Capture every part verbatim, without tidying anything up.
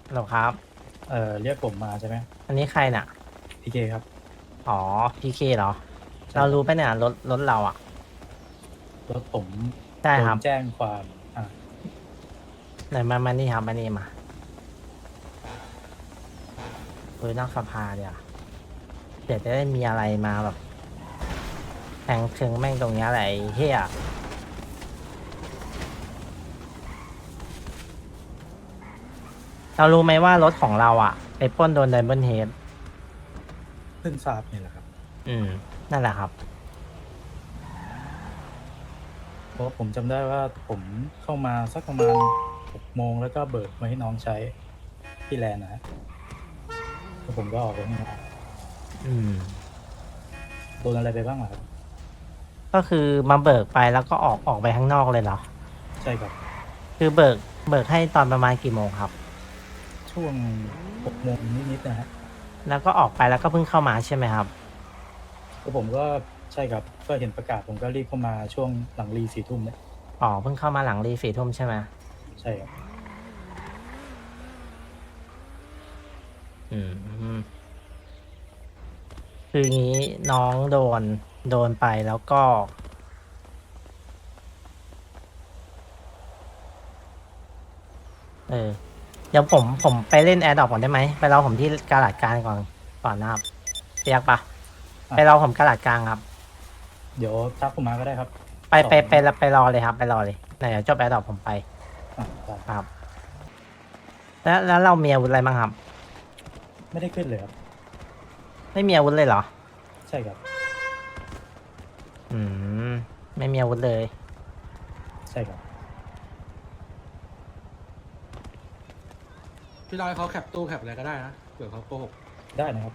หรอครับเอ่อเรียกผมมาใช่ไหมอันนี้ใครน่ะพีเคครับอ๋อพีเคเหรอใช่ครับเรารู้ปะเนี่ยรถรถเราอ่ะรถผมใช่ครับโดนแจ้งความอ่าไหนมามานี่ครับมานี่มาคุยนอกสภาเดี๋ยวเดี๋ยวจะได้มีอะไรมาแบบแทงถึงแม่งตรงเนี้ยแหละไอ้เฮียเรารู้ไหมว่ารถของเราอ่ะไปปล้นโดนไดมอนเฮดเพิ่งทราบนี่แหละครับอืมนั่นแหละครับเพราะผมจำได้ว่าผมเข้ามาสักประมาณหกโมงแล้วก็เบิกมาให้น้องใช้ที่แลนด์นะฮะแล้วผมก็ออกไปข้างนอกอืมโดนอะไรไปบ้างล่ะครับก็คือมาเบิกไปแล้วก็ออกออกไปข้างนอกเลยเหรอใช่ครับคือเบิกเบิกให้ตอนประมาณกี่โมงครับช่วงหกโมงนิดๆนะฮะแล้วก็ออกไปแล้วก็เพิ่งเข้ามาใช่ไหมครับแล้วผมก็ใช่ครับก็เห็นประกาศผมก็รีบเข้ามาช่วงหลังรีสี่ทุ่มเนี่ยอ๋อเพิ่งเข้ามาหลังรีสี่ทุ่มใช่ไหมใช่ครับอืมคืองี้น้องโดนโดนไปแล้วก็เออเดี๋ยวผมผมไปเล่นแอร์ดรอปก่อนได้ไหมไปรอผมที่กาลาดกลางก่อนก่อนนะครับเรียกปะไปรอผมกาลาดกลางครับเดี๋ยวทักผมมาก็ได้ครับไปสองไปไปไปรอเลยครับไปรอเลยเดี๋ยวจบแอร์ดรอปผมไปอ่าได้ครับแล้วแล้วเรามีอาวุธอะไรบ้างครับไม่ได้ขึ้นเลยครับไม่มีอาวุธเลยเหรอใช่ครับอืมไม่มีอาวุธเลยใช่ครับพี่ร้อยเขาแคปตู้แคปอะไรก็ได้นะเผื่อเขาโกหกได้นะครับ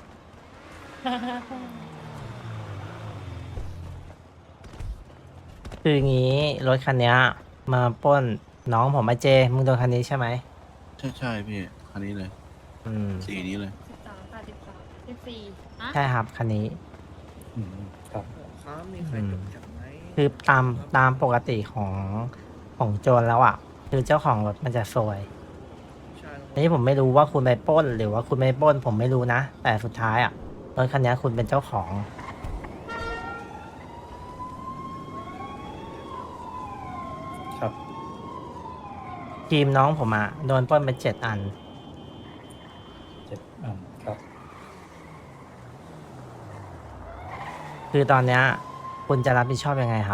คืองี้รถคันเนี้ยมาปล้นน้องผมมาเจมึงโดนคันนี้ใช่ไหมใช่ใช่พี่คันนี้เลยอืมสีนี้เลยสิบสามแปดสิบสามสิบสี่อะใช่ครับคันนี้อืมครับครับมีใครอืจมดแคปไหมคือตามตามปกติของของโจรแล้วอ่ะ คือเจ้าของรถมันจะซวยใช่อันนี้ผมไม่รู้ว่าคุณไปปล้น หรือว่าคุณไม่ปล้น ผมไม่รู้นะ แต่สุดท้ายอ่ะรถคันนี้คุณเป็นเจ้าของครับทีมน้องผมอ่ะโดนปล้นไปเจ็ดอันเจ็ดอ่าครับคือตอนเนี้ยคุณจะรับผิดชอบยังไงครับ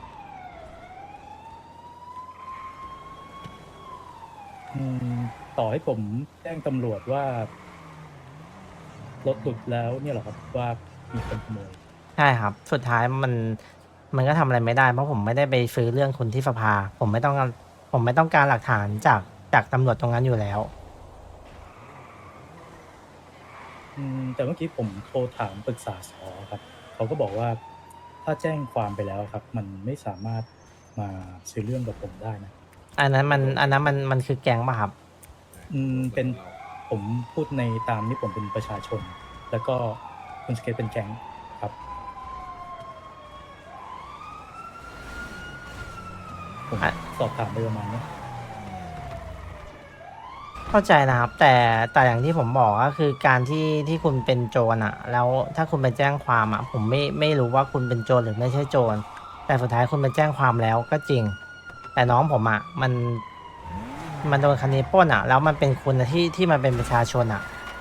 อืมต่อให้ผมแจ้งตำรวจว่ารถหลุดแล้วเนี่ยเหรอครับว่ามีคนขโมยใช่ครับ สุดท้ายมันมันก็ทำอะไรไม่ได้ เพราะผมไม่ได้ไปซื้อเรื่องคุณที่สภา ผมไม่ต้องการผมไม่ต้องการหลักฐานจากจากตำรวจตรงนั้นอยู่แล้วอืมแต่เมื่อกี้ผมโทรถามปรึกษาสอครับเขาก็บอกว่าถ้าแจ้งความไปแล้วครับ มันไม่สามารถมาซื้อเรื่องกับผมได้นะอันนั้นมันอันนั้นมันมันคือแก๊งป่ะครับอืมเป็นผมพูดในตามที่ผมเป็นประชาชน แล้วก็คุณสเกตเป็นแก๊งครับผมอ่ะสอบถามไปประมาณนี้เข้าใจนะครับ แต่แต่อย่างที่ผมบอกก็คือการที่ที่คุณเป็นโจรอะแล้วถ้าคุณไปแจ้งความอะผมไม่ไม่รู้ว่าคุณเป็นโจรหรือไม่ใช่โจรแต่สุดท้ายคุณไปแจ้งความแล้วก็จริง แต่น้องผมอะมันมันโดนคันนี้ปล้นอะแล้วมันเป็นคุณอะที่ที่มันเป็นประชาชนอะ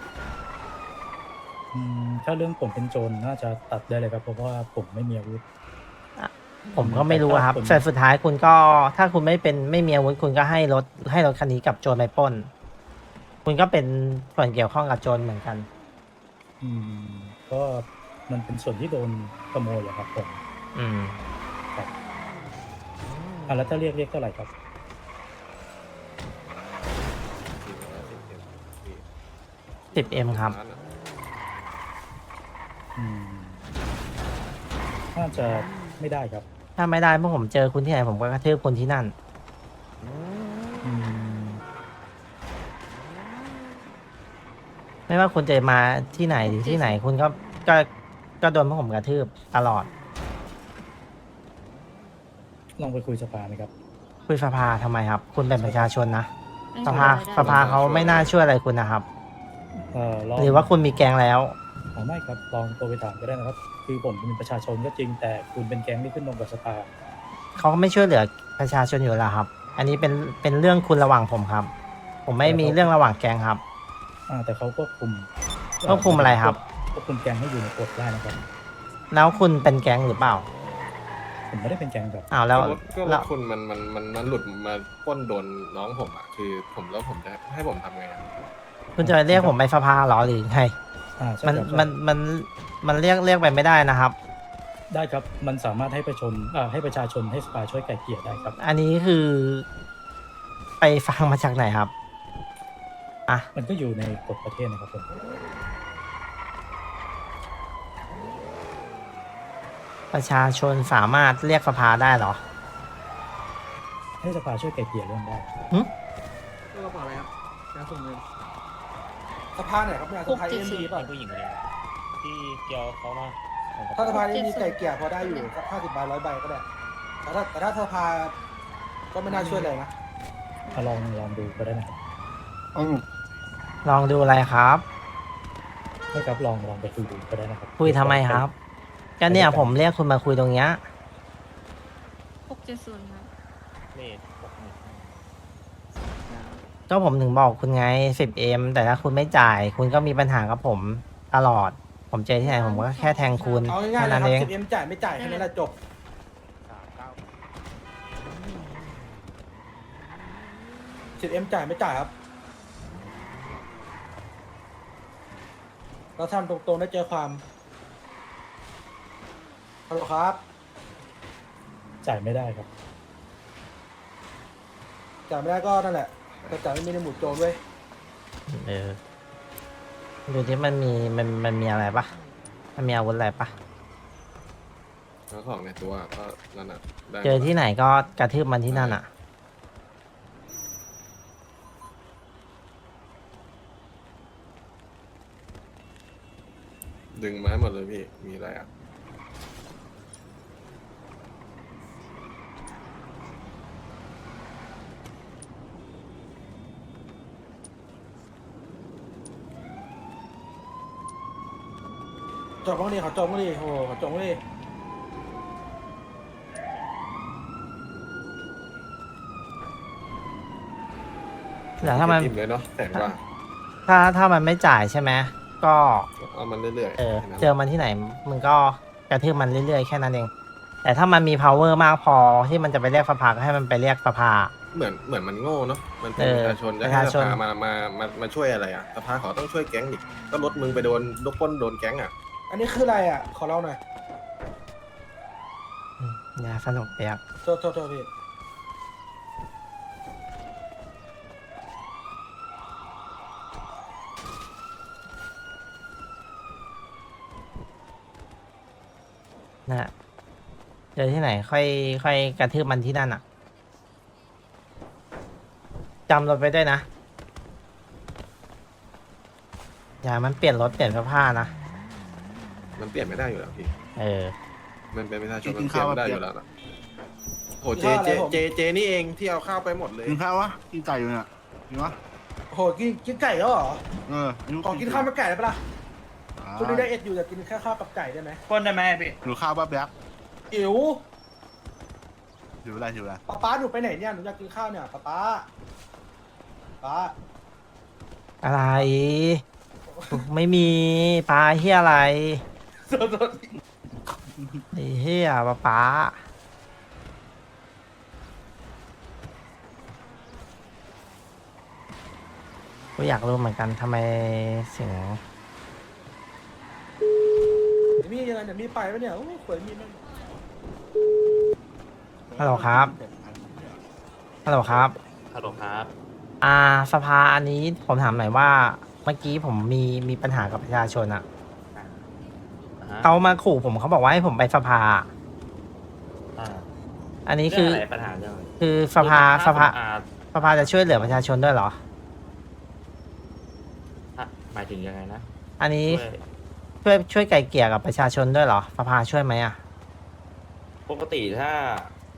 อืมถ้าเรื่องผมเป็นโจรน่าจะตัดได้เลยครับเพราะว่าผมไม่มีอาวุธผมก็ไม่รู้อะครับแต่ถ้าผมแต่สุดท้ายคุณก็ถ้าคุณไม่เป็นไม่มีอาวุธคุณก็ให้รถให้รถคันนี้กับโจรไปปล้น คุณก็เป็นส่วนเกี่ยวข้องกับโจรเหมือนกันอืมก็มันเป็นส่วนที่โดนขโมยเหรอครับผมอืมครับอ่ะแล้วถ้าเรียกเรียกเท่าไหร่ครับสิบเอ็มครับอืมน่าจะไม่ได้ครับถ้าไม่ได้พวกผมเจอคุณที่ไหนผมก็กระทืบคุณที่นั่นอืมไม่ว่าคุณจะมาที่ไหนหรือที่ไหน คุณก็ก็ก็โดนพวกผมกระทืบตลอดลองไปคุยสภาไหมครับคุยสภาทำไมครับ คุณเป็นประชาชนนะไม่สช่วยภาอะไรได้สภาเขาไม่น่าช่วยอะไรคุณนะครับเอ่อลองหรือว่าคุณมีแกงแล้วอ๋อไม่ครับลองโทรไปถามก็ได้นะครับ คือผมเป็นประชาชนก็จริงแต่คุณเป็นแก๊งที่ขึ้นลงกับสภาเขาก็ไม่ช่วยเหลือประชาชนอยู่แล้วครับ อันนี้เป็นเป็นเรื่องคุณระหว่างผมครับ ผมไม่มีเรื่องระหว่างแกงครับอ่าแต่เขาควบคุมควบคุมอะไรครับควบคุมแก๊งให้อยู่ในกฎได้นะครับแล้วคุณเป็นแกงหรือเปล่าผมไม่ได้เป็นแก๊งครับอ้าวแล้วก็รถก็รแล้ถวคุณมันมันมันมันหลุดมาปล้นโดนน้องผมอ่ะคือผมแล้วผมจะให้ผมทำไงอะคุณจะเรียกผมไปสภาเหรอหรือไงอ่าใช่มันครับใช่มันมันมันเรียกเรียกไปไม่ได้นะครับได้ครับ มันสามารถให้ประชาชนอ่าให้ประชาชนให้สภาช่วยไกล่เกลี่ยได้ครับอันนี้คือ ไปฟังมาจากไหนครับ อ่ะมันก็อยู่ในกฎประเทศนะครับผมประชาชนสามารถเรียกสภาได้เหรอให้สภาช่วยไกล่เกลี่ยเรื่องได้ก็กระเป๋าอะไรครับการส่งเงินสภาไหนครับเนี่ยสภาเอ็มดีป่ะผู้หญิงคนนี้ที่เกียวเขามาส่งกระถ้าเป๋าสภาเอ็มดีไก่เกลี่ยพอได้อยู่สักห้าสิบใบร้อยใบก็ได้แต่ถ้าแต่ถ้าสภาก็ไม่น่าช่วยเลยนะเอาลองลองดูก็ได้นะครับลองดูอะไรครับไม่ครับลองลองไปคุยดูก็ได้นะครับคุยทำไมครับ ก็เนี่ยผมเรียกคุณมาคุยตรงเนี้ยหกเจ็ดศูนย์ครับเลขหกหนึ่งก็ผมถึงบอกคุณไง สิบเอ็ม แต่ถ้าคุณไม่จ่าย คุณก็มีปัญหากับผมตลอด ผมเจอที่ไหนผมก็แค่แทงคุณเอาง่ายแค่ๆเลยนั้นครับเองสิบเอ็มจ่ายไม่จ่ายแค่นั้นแหละจบสามเก้าสิบเอ็มจ่ายไม่จ่ายครับเราทำตรงๆได้เจอความฮัลโหลครับจ่ายไม่ได้ครับจ่ายไม่ได้ก็นั่นแหละแต่จ่ายไม่มีในหมู่โจรเว้ยเออ ดูที่มันมีมันมันมีอะไรปะมันมีอาวุธอะไรปะแล้วของในตัวก็นั่นอ่ะได้เจอที่ไหนก็กระทืบมันที่นั่นอ่ะดึงมาให้หมดเลยพี่มีอะไรอ่ะจบบ้างดิขอจบบ้างดิโอ้โหขอจบบ้างดิแต่ถ้ามันอิ่มเลยเนาะแสนกว่าถ้าถ้ามันไม่จ่ายใช่ไหมก็เอามันเรื่อยๆเออแค่นั้นเจอมันที่ไหนมึงก็กระทืบมันเรื่อยๆแค่นั้นเอง แต่ถ้ามันมี power มากพอที่มันจะไปเรียกสภาก็ให้มันไปเรียกสภาเหมือนเหมือนมันโง่เนาะมันเป็นเออประชาชนจะประให้ชาสชนภามามามามาช่วยอะไรอ่ะสภาเขาต้องช่วยแก๊งอีกก็รถมึงไปโดนลูกปล้นโดนแก๊งอ่ะอันนี้คืออะไรอ่ะ ขอเล่าหน่อยอืมอย่าสนุกเปียกโทษโทษโทษพี่นะฮะเจอที่ไหน ค่อย ค่อยกระทืบมันที่นั่นอ่ะจำรถไปด้วยนะ อย่ามันเปลี่ยนรถเปลี่ยนเสื้อผ้านะมันเปลี่ยนไม่ได้อยู่แล้วพี่เออมันเป็นประชาชนกิมันนเปลี่ยข้าวนไม่ได้เปีอยกยู่แล้วนะโหเจเจเจเจนี่เองที่เอาข้าวไปหมดเลยกินข้าววะกินไก่อยู่เนี่ยกินวะโอ้โหกินกินไก่แล้วเหรอเอออายุขอกินข้าวกับไก่ได้ปะล่ะอ่าคุณนี่ได้เอ็ดอยู่แต่กินแค่ข้าวกับไก่ได้ไหมปล้นได้ไหมพี่หนูข้าวป้าแบ๊กอิ๋วอยู่อะไรอยู่อะไรป๊าป๊าหนูไปไหนเนี่ยหนูอยากกินข้าวเนี่ยป๊าป๊าป๊าอะไร ไม่มีปลาเฮียอะไรโทษโทษไอ้เฮียปลาปลากูอยากรู้เหมือนกันทำไมเสียงเดี๋ยวมียังไงเดี๋ยวมีไปปะเนี่ยโอ้ยขวยมีแม่งฮัลโหลครับ ฮัลโหลครับฮัลโหลครับอ่าสภาอันนี้ผมถามหน่อยว่า เมื่อกี้ผมมีมีปัญหากับประชาชนอะอ่าฮะเขามาขู่ผมเขาบอกว่าให้ผมไปสภาอ่าอันนี้เรื่คือ องอะไรปัญหาเรื่องอะไรคือสภาคือสภาอ่าสภาจะช่วยเหลือประชาชนด้วยเหรออ่ะหมายถึงยังไงนะอันนี้ช่วยช่วยช่วยไก่เกลี่ยกับประชาชนด้วยเหรอสภาช่วยไหมอะปกติถ้า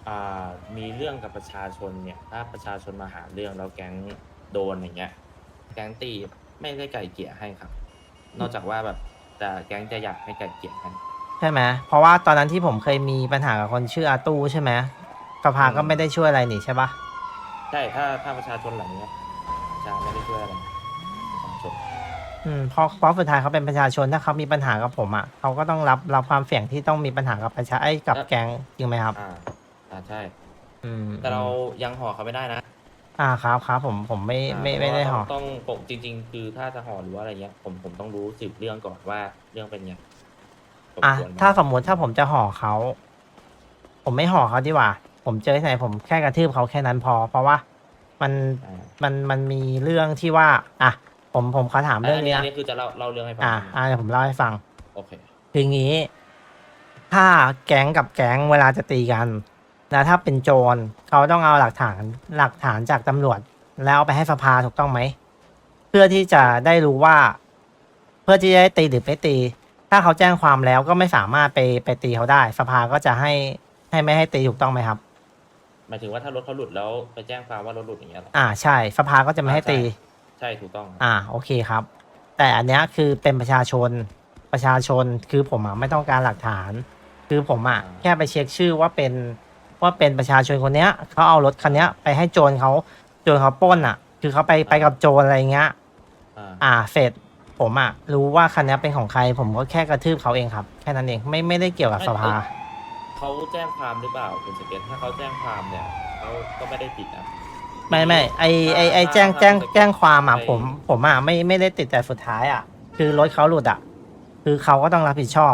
อ่ามีเรื่องกับประชาชนเนี่ย ถ้าประชาชนมาหาเรื่องแล้วแก๊งโดนอย่างเงี้ย แก๊งตีไม่ได้ไก่เกลี่ยให้ครับ นอกจากว่าแบบแต่แก๊งจะอยากให้ไก่เกลี่ยให้ใช่ไหมเพราะว่าตอนนั้นที่ผมเคยมีปัญหากับคนชื่ออาตู้ใช่ไหมสภาก็ไม่ได้ช่วยอะไรนี่ใช่ปะใช่ถ้าถ้าประชาชนเหล่านี้ประชาไม่ได้ช่วยอะไรประชาชนอืมเพราะเพราะสุดท้ายเขาเป็นประชาชนถ้าเขามีปัญหากับผมอ่ะเขาก็ต้องรับรับความเสี่ยงที่ต้องมีปัญหากับประชาไอ้กับแก๊งจริงไหมครับอ่าอ่าใช่อืมแต่เรายังห่อเขาไม่ได้นะอ่าครับครับผมผมไม่ไม่ไม่ได้เพห่อราะว่าต้องต้องปกจริง ๆ คือถ้าจะห่อหรือว่าอะไรเงี้ย ผมผมต้องรู้สืบเรื่องก่อนว่าเรื่องเป็นไงสมอ่ะควรไหมถ้าสมมุติถ้าผมจะห่อเขา ผมไม่ห่อเขาดีกว่า ผมเจอที่ไหนผมแค่กระทืบเขาแค่นั้นพอ เพราะว่ามันอ่ามันมันมีเรื่องที่ว่า อ่ะ ผมผมขอถามเรื่องอันนี้นี้อันะนนี้คือจะเล่าเล่าเรื่องให้ฟังอ่ะใช่ไหมอ่ะเดี๋ยวผมเล่าให้ฟังโอเคคืออย่างนี้ ถ้าแก๊งกับแก๊งเวลาจะตีกัน แล้วถ้าเป็นโจรเขาต้องเอาหลักฐานหลักฐานจากตำรวจ แล้วเอาไปให้สภาถูกต้องไหม เพื่อที่จะได้รู้ว่า เพื่อที่จะได้ตีหรือไม่ตี ถ้าเขาแจ้งความแล้วก็ไม่สามารถไปไปตีเขาได้ สภาก็จะให้ให้ไม่ให้ตีถูกต้องไหมครับหมายถึงว่าถ้ารถเขาหลุดแล้วไปแจ้งความว่ารถหลุดอย่างเงี้ยเหรออ่าใช่ สภาก็จะไม่ให้ตีใช่ถูกต้องครับอ่าโอเคครับ แต่อันเนี้ยคือเป็นประชาชนประชาชนคือผมอ่ะไม่ต้องการหลักฐาน คือผมอ่ะแค่ไปเช็คชื่อว่าเป็นว่าเป็นประชาชนคนเนี้ยเขาเอารถคันเนี้ยไปให้โจรเขาโจรเขาปล้นอ่ะ คือเขาไปไปกับโจรอะไรเงี้ยอ่าอ่าเสร็จผมอ่ะรู้ว่าคันเนี้ยเป็นของใคร ผมก็แค่กระทืบเขาเองครับแค่นั้นเองไม่ไม่ได้เกี่ยวกับสภาเขาแจ้งความหรือเปล่าคุณสเก็ตถ้าเขาแจ้งความเนี่ยเขาก็ไม่ได้ผิดนะไม่ไม่ไอไอไอถ้าแจ้งถ้าแจ้งถ้าแจ้งความอ่ะไปผมผมอ่ะไม่ไม่ได้ติดแต่สุดท้ายอ่ะ คือรถเขาหลุดอ่ะ คือเขาก็ต้องรับผิดชอบ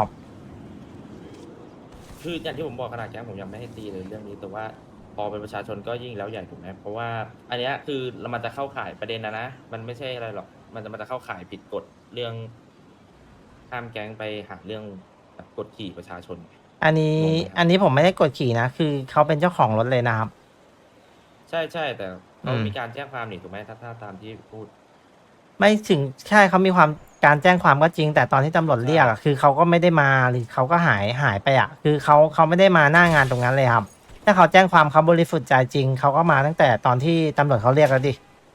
คืออย่างที่ผมบอกขนาดแก๊งผมยังไม่ให้ตีเลยเรื่องนี้ แต่ว่าพอเป็นประชาชนก็ยิ่งแล้วใหญ่ถูกไหมเพราะว่าอันเนี้ยคือมันจะเข้าข่ายประเด็นนะนะมันไม่ใช่อะไรหรอกมันจะมันจะเข้าข่ายผิดกฎเรื่องห้ามแก๊งไปหาเรื่องแบบกดขี่ประชาชนอันนี้งงไหมครับอันนี้ผมไม่ได้กดขี่นะ คือเขาเป็นเจ้าของรถเลยนะครับใช่ใช่แต่เขาอืมมีการแจ้งความนี่ถูกไหมถ้าถ้าตามที่พูดไม่ถึงใช่เขามีความการแจ้งความก็จริง แต่ตอนที่ตำรวจเรียกอะคือเขาก็ไม่ได้มาหรือเขาก็หายหายไปอ่ะ คือเขาเขาไม่ได้มาหน้างานตรงนั้นเลยครับ ถ้าเขาแจ้งความเขาบริสุทธิ์ใจจริงเขาก็มาตั้งแต่ตอนที่ตำรวจเขาเรียกแล้วดิ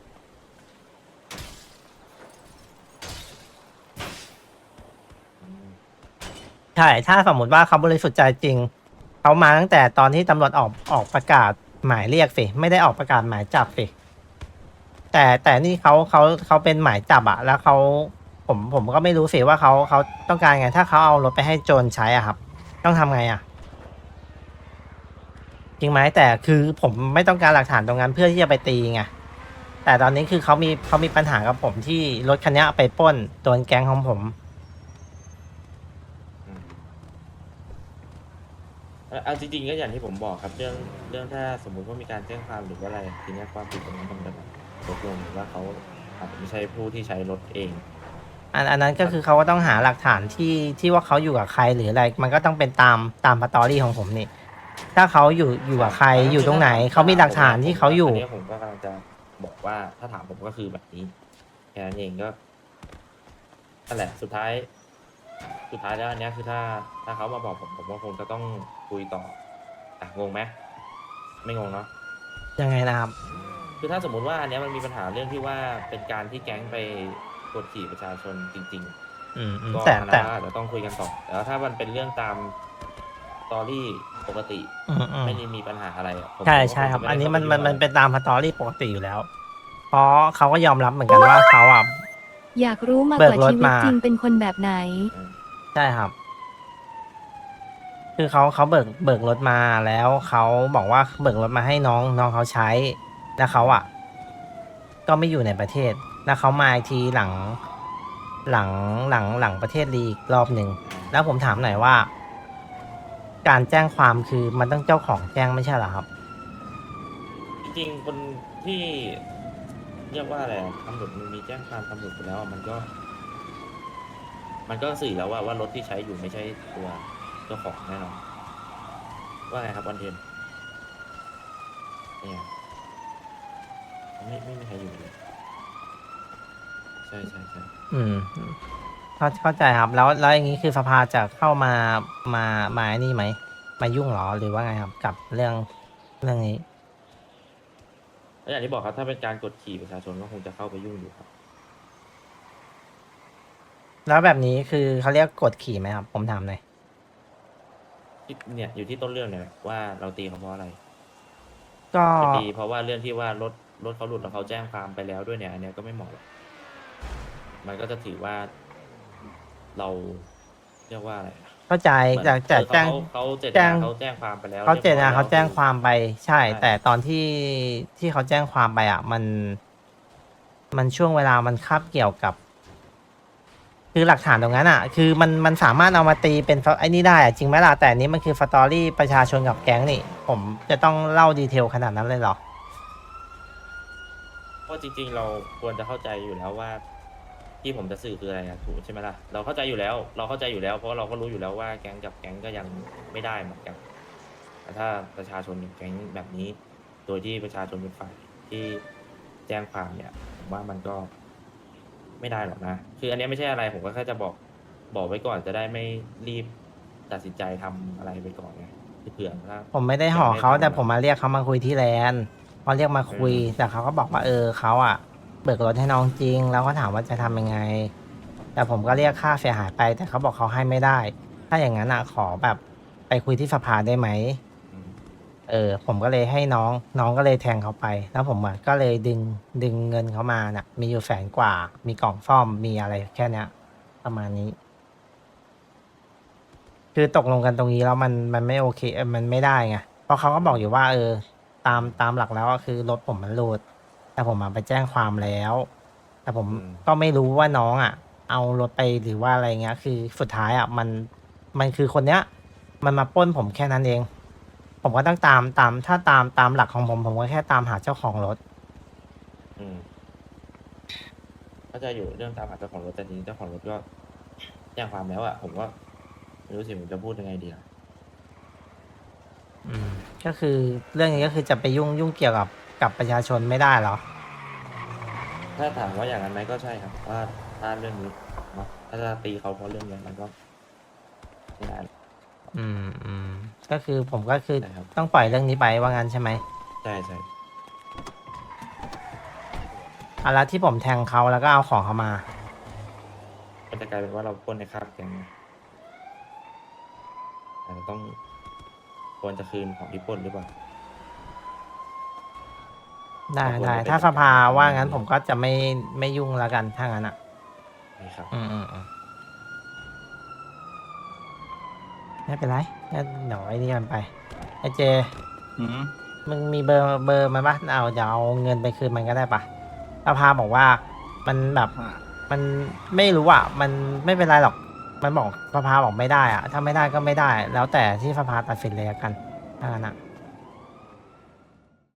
ใช่ถ้าสมมติว่าเขาบริสุทธิ์ใจจริงเขามาตั้งแต่ตอนที่ตำรวจออกออกประกาศหมายเรียกสิไม่ได้ออกประกาศหมายจับสิแต่แต่นี่เขาเขาเขาเป็นหมายจับอะแล้วเขาผมผมก็ไม่รู้สิว่าเขาเขาต้องการไง ถ้าเขาเอารถไปให้โจรใช้อ่ะครับ ต้องทำไงอ่ะ จริงไหมแต่คือผมไม่ต้องการหลักฐานตรงนั้นเพื่อที่จะไปตีไงแต่ตอนนี้คือเขามีเขามีปัญหากับผมที่รถคันนี้ไปปล้นโดนแก๊งของผมอืมเอาเอาจริงๆก็อย่างที่ผมบอกครับ เรื่องเรื่องถ้าสมมุติว่ามีการแจ้งความหรือว่าอะไรทีเนี้ยความผิดตรงนั้นมันจะแบบตกลงหรือว่าเขาอาจจะไม่ใช่ผู้ที่ใช้รถเองอันอันนั้นก็คือเขาก็ต้องหาหลักฐานที่ที่ว่าเขาอยู่กับใครหรืออะไร มันก็ต้องเป็นตามตามสตอรี่ของผมนี่ ถ้าเขาอยู่อยู่กับใครอยู่ตรงไหนเขามีหลักฐานที่เขาอยู่นนี้ผมก็กำลังจะบอกว่าถ้าถามผมก็คือแบบนี้แค่นั้นเองก็นั่นแหละสุดท้าย สุดท้ายแล้วอันเนี้ยคือถ้าถ้าเขามาบอกผมผมก็คงจะต้องคุยต่ออ่ะงงไหมไม่งงเนาะยังไงนะครับคือถ้าสมมุติว่าอันเนี้ยมันมีปัญหาเรื่องที่ว่าเป็นการที่แก๊งไปกดขี่ประชาชนจริงอืมอืมๆ ก็แต่อันแต่นั้นอาจจะต้องคุยกันต่อแต่ว่าถ้ามันเป็นเรื่องตามสตอรี่ปกติอืมอืมไม่ได้มีปัญหาอะไรอะผมใช่ผมก็ใช่ครับงจะอันนี้ไได้มันเข้าไปมันยุ่งมันอะไรเป็นตามสตอรี่ปกติอยู่แล้ว เพราะเขาก็ยอมรับเหมือนกันว่าเขาอ่ะอยากรู้มากเบิกกว่ารถชีวิตมาจริงเป็นคนแบบไหนใช่ครับ คือเขาเขาเบิกเบิกรถมาแล้วเขาบอกว่าเบิกรถมาให้น้องน้องเขาใช้ แล้วเขาอ่ะ ก็ไม่อยู่ในประเทศ แล้วเขามาอีกทีหลัง หลังหลังหลังประเทศลีกรอบหนึ่ง แล้วผมถามหน่อยว่า การแจ้งความคือมันต้องเจ้าของแจ้งไม่ใช่เหรอครับจริงๆคนที่เรียกว่าอะไรอะตำรวจมันมีแจ้งความตำรวจไปแล้วอะมันก็ มันก็สื่อแล้วว่าว่ารถที่ใช้อยู่ไม่ใช่ตัวเจ้าของแน่นอนว่าไงครับวันเทนเนี่ยไม่ไม่มีใครอยู่เลยใช่ใช่ใช่อืมเข้าเข้าใจครับ แล้วแล้วอย่างนี้คือสภาจะเข้ามามามาไอ้นี่ไหมมายุ่งเหรอหรือว่าไงครับ กับเรื่องเรื่องนี้แล้วอย่างที่บอกครับถ้าเป็นการกดขี่ประชาชนก็คงจะเข้าไปยุ่งอยู่ครับแล้วแบบนี้คือเขาเรียกกดขี่ไหมครับ ผมถามหน่อยที่เนี่ยอยู่ที่ต้นเรื่องเนี่ยแหละว่าเราตีเขาเพราะอะไรก็จะตีเพราะว่าเรื่องที่ว่ารถรถเขาหลุดแล้วเขาแจ้งความไปแล้วด้วยเนี่ยอันเนี้ยก็ไม่เหมาะหรอกมันก็จะถือว่าเราเรียกว่าอะไรอะเข้าใจเหมือนแต่แต่เออแจ้งเขาเขาเจตแจ้นาง เขาแจ้งความไปแล้วเขาเจตนารียบร้อยเขาแจ้งความไปใช่ใช่แต่ตอนที่ที่เขาแจ้งความไปอ่ะ มัน มันช่วงเวลามันคาบเกี่ยวกับ คือหลักฐานตรงนั้นอ่ะ คือมันมันสามารถเอามาตีเป็นไอ้นี่ได้อะจริงไหมล่ะแต่อันนี้มันคือสตอรี่ประชาชนกับแก๊งนี่ ผมจะต้องเล่าดีเทลขนาดนั้นเลยเหรอเพราะจริงๆ เราควรจะเข้าใจอยู่แล้วว่า ที่ผมจะสื่อคืออะไรอะถูกใช่ไหมล่ะเราเข้าใจอยู่แล้ว เราเข้าใจอยู่แล้วเพราะเราก็รู้อยู่แล้วว่าแก๊งกับแก๊งก็ยังไม่ได้เหมือนกันแต่ถ้าประชาชนกับแก๊งแบบนี้ โดยที่ประชาชนเป็นฝ่ายที่แจ้งความเนี่ยผมว่ามันก็ไม่ได้หรอกนะคืออันเนี้ยไม่ใช่อะไรผมก็แค่จะบอกบอกไว้ก่อนจะได้ไม่รีบตัดสินใจทำอะไรไปก่อนไงคือเผื่อถ้าผมไม่ได้ห่อเขายังไม่แต่ผมมาเรียกเขามาคุยที่แลนด์พอเรียกมาคุยอืมแต่เขาก็บอกว่าเออเขาอ่ะเบิกรถให้น้องจริง แล้วก็ถามว่าจะทำยังไง แต่ผมก็เรียกค่าเสียหายไป แต่เขาบอกเขาให้ไม่ได้ ถ้าอย่างนั้นอ่ะขอแบบไปคุยที่สภาได้ไหมอืมเออ ผมก็เลยให้น้องน้องก็เลยแทงเขาไป แล้วผมอ่ะก็เลยดึงดึงเงินเขามาน่ะ มีอยู่แสนกว่า มีกล่องซ่อมมีอะไรแค่เนี้ย ประมาณนี้ คือตกลงกันตรงนี้แล้วมันมันไม่โอเคเออมันไม่ได้ไงเพราะเขาก็บอกอยู่ว่า เออ ตามตามหลักแล้วก็คือรถผมมันหลุดแต่ผมมาไปแจ้งความแล้ว แต่ผมอืมก็ไม่รู้ว่าน้องอ่ะ เอารถไปหรือว่าอะไรเงี้ย คือสุดท้ายอ่ะมันมันคือคนเนี้ย มันมาปล้นผมแค่นั้นเอง ผมก็ต้องตามตามถ้าตามตามหลักของผม ผมก็แค่ตามหาเจ้าของรถอืมเข้าใจอยู่เรื่องตามหาเจ้าของรถแต่ทีนี้เจ้าของรถก็แจ้งความแล้วอะผมก็ไม่รู้สิผมจะพูดยังไงดีอะอืมก็คือเรื่องนี้ก็คือจะไปยุ่งยุ่งเกี่ยวกับกับประชาชนไม่ได้เหรอถ้าถามว่าอย่างนั้นไหมก็ใช่ครับว่าถ้าเรื่องนี้เนาะถ้าจะตีเขาเพราะเรื่องนี้มันก็ไม่ได้หรอกอืมอืมก็คือผมก็คือใช่ครับต้องปล่อยเรื่องนี้ไปว่างั้นใช่ไหมใช่ใช่อ่ะแล้วที่ผมแทงเขาแล้วก็เอาของเขามาก็จะกลายเป็นว่าเราปล้นในคาบแก๊งอาจจะต้องควรจะคืนของที่ปล้นหรือเปล่าได้ก็ควรได้จะเป็นถ้าสภาแบบนั้นว่างั้นผมก็จะไม่ไม่ยุ่งแล้วกันถ้างั้นอ่ะนี่ครับอืมอืมอืมไม่เป็นไรงั้นเดี๋ยวไอ้นี่กันไปไอ้เจอืมมึงมีเบอร์เบอร์มันปะเอาเดี๋ยวเอาเงินไปคืนมันก็ได้ปะสภาบอกว่ามันแบบอ่ามันไม่รู้อ่ะ มันไม่เป็นไรหรอก มันบอกสภาบอกไม่ได้อ่ะ ถ้าไม่ได้ก็ไม่ได้ แล้วแต่ที่สภาตัดสินเลยละกันถ้างั้นอ่ะ